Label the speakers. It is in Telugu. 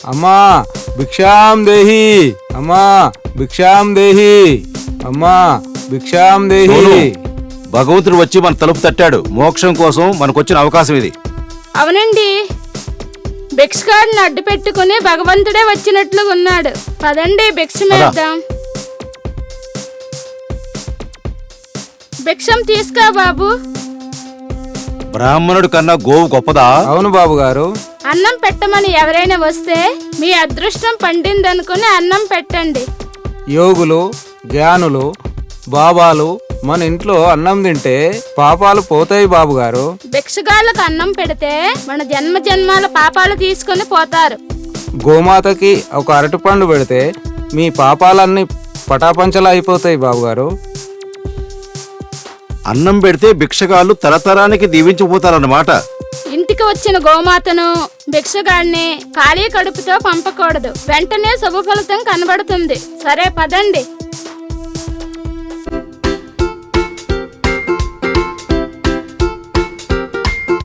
Speaker 1: అమ్మా భిక్షాం దేహి, అమ్మా భిక్షాం దేహి, అమ్మా భిక్షాం దేహి.
Speaker 2: భగవంతుడు వచ్చి మన తలుపు తట్టాడు. మోక్షం కోసం మనకొచ్చిన అవకాశం ఇది.
Speaker 3: అవునండి, భిక్షగాడిని అడ్డు పెట్టుకుని భగవంతుడే వచ్చినట్లు ఉన్నాడు. పదండి భిక్షమేద్దాం. భిక్షం తీసుకో బాబు.
Speaker 2: బ్రాహ్మణుడి కన్నా గోవు గొప్పదా?
Speaker 1: అవును బాబు గారు.
Speaker 3: అన్నం పెట్టమని ఎవరైనా వస్తే మీ అదృష్టం పండిందనుకుని అన్నం పెట్టండి.
Speaker 1: యోగులు, జ్ఞానులు, బాబాలు మన ఇంట్లో అన్నం తింటే పాపాలు పోతాయి బాబు గారు.
Speaker 3: భిక్షగాళ్ళకు అన్నం పెడితే మన జన్మ జన్మాల పాపాలు తీసుకుని పోతారు.
Speaker 1: గోమాతకి ఒక అరటిపండు పెడితే మీ పాపాలన్నీ పటాపంచలు అయిపోతాయి బాబు గారు.
Speaker 2: అన్నం పెడితే భిక్షగాళ్ళు తరతరానికి దీవించిపోతారన్నమాట.
Speaker 3: ఇంటికి వచ్చిన గోమాతను, భిక్షగాడిని ఖాళీ కడుపుతో పంపకూడదు. వెంటనే శుభ ఫలితం కనబడుతుంది. సరే పదండి.